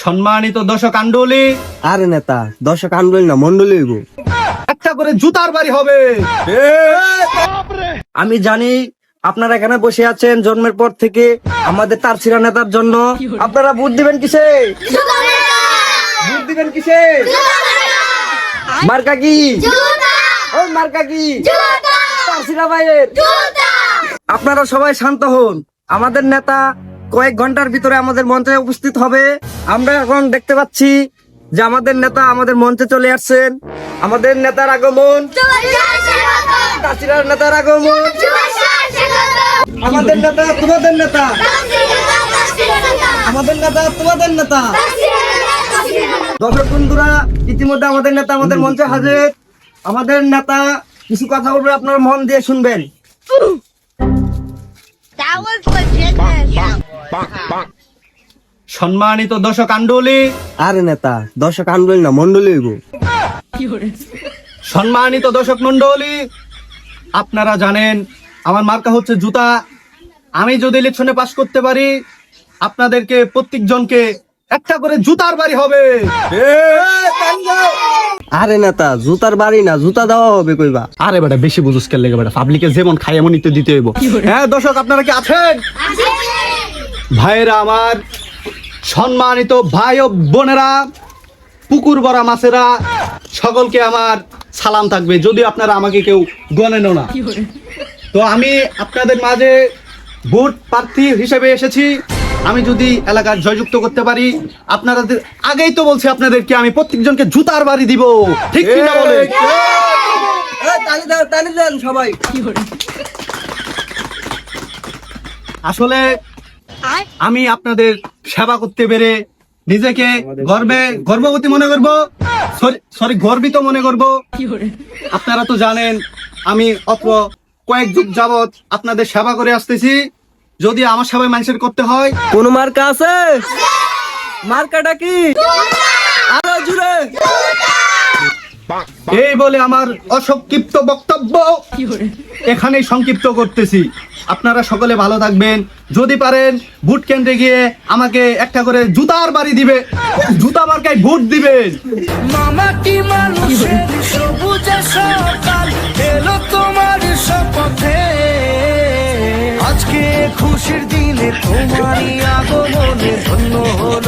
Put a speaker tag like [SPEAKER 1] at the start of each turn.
[SPEAKER 1] সম্মানিত দর্শক আন্ডলি,
[SPEAKER 2] আরে নেতা দর্শক আন্দোলন না মন্ডলী হইব।
[SPEAKER 1] একটা করে জুতার বাড়ি হবে।
[SPEAKER 2] আমি জানি আপনারা এখানে বসে আছেন জন্মের পর থেকে আমাদের তারছিরা নেতার জন্য। আপনারা ভোট দিবেন কিসে? ভোট দিবেন কিসে? মার্কা কি? ও মার্কা কি? তারছিরা ভাইয়ের। আপনারা সবাই শান্ত হন। আমাদের নেতা কয়েক ঘন্টার ভিতরে আমাদের মঞ্চে উপস্থিত হবে। আমরা এখন দেখতে পাচ্ছি যে আমাদের নেতা আমাদের মঞ্চে চলে আসছেন। আমাদের নেতার আগমন, তারছিরার নেতার আগমন। আমাদের নেতা তোমাদের নেতা, আমাদের নেতা তোমাদের নেতা। দর্শক বন্ধুরা, ইতিমধ্যে আমাদের নেতা আমাদের মঞ্চে হাজির। আমাদের নেতা কিছু কথা বলবে, আপনারা মন দিয়ে শুনবেন।
[SPEAKER 3] That was legit.
[SPEAKER 1] সম্মানিত দর্শক আন্ডলি,
[SPEAKER 2] আরে নেতা দর্শক আন্দোলন না মন্ডলী হইব।
[SPEAKER 1] সম্মানিত দর্শক মন্ডলী, আপনারা জানেন আমার মার্কা হচ্ছে জুতা। আমি যদি ইলেকশনে পাস করতে পারি, আপনাদেরকে প্রত্যেকজনকে একটা করে জুতার বাড়ি হবে।
[SPEAKER 2] আরে নেতা জুতার বাড়ি না, জুতা দেওয়া হবে কইবা।
[SPEAKER 1] আরে বেটা বেশি বুঝুস কেন লেগে বেটা, পাবলিকে যেমন খাই এমনই তো দিতে হইব। হ্যাঁ দর্শক, আপনারা কি আছেন? ভাইয়েরা আমার, সম্মানিত ভাই ও বোনেরা, পুকুর ভরা মাছেরা, সকলকে আমার সালাম থাকবে। যদি আপনারা আমাকে কেউ গণেনও না, তো আমি আপনাদের মাঝে ভোট প্রার্থী হিসেবে এসেছি। আমি যদি এলাকার জয়যুক্ত করতে পারি, আপনারা আগেই তো বলছি আপনাদেরকে আমি প্রত্যেকজনকে জুতার বাড়ি দিব। ঠিক কি না বলে?
[SPEAKER 2] তালি দেন সবাই।
[SPEAKER 1] আসলে আমি আপনাদের সেবা করতে পেরে নিজেকে গর্ববতী মনে করব, সরি গর্বিত মনে করব। আপনারা তো জানেন আমি অল্প কয়েক যুগ যাবত আপনাদের সেবা করে আসতেছি। যদি আমার সেবায় মানুষের করতে হয়,
[SPEAKER 2] কোন মার্কা আছে? মার্কাটা কি? আরো জুড়ে।
[SPEAKER 1] এই বলে আমার অসংক্ষিপ্ত বক্তব্য এখানেই সংক্ষিপ্ত করতেছি। আপনারা সকলে ভালো থাকবেন। যদি পারেন ভোট কেন্দ্রে গিয়ে আমাকে একটা করে জুতার বাড়ি দিবে, জুতা মার্কায় ভোট দিবেন।
[SPEAKER 4] মামাটি মানুষের সবুজ সকাল এলো তোমার শপথে, আজকে খুশির দিনে তোমারই আগমনে ধন্য হলো।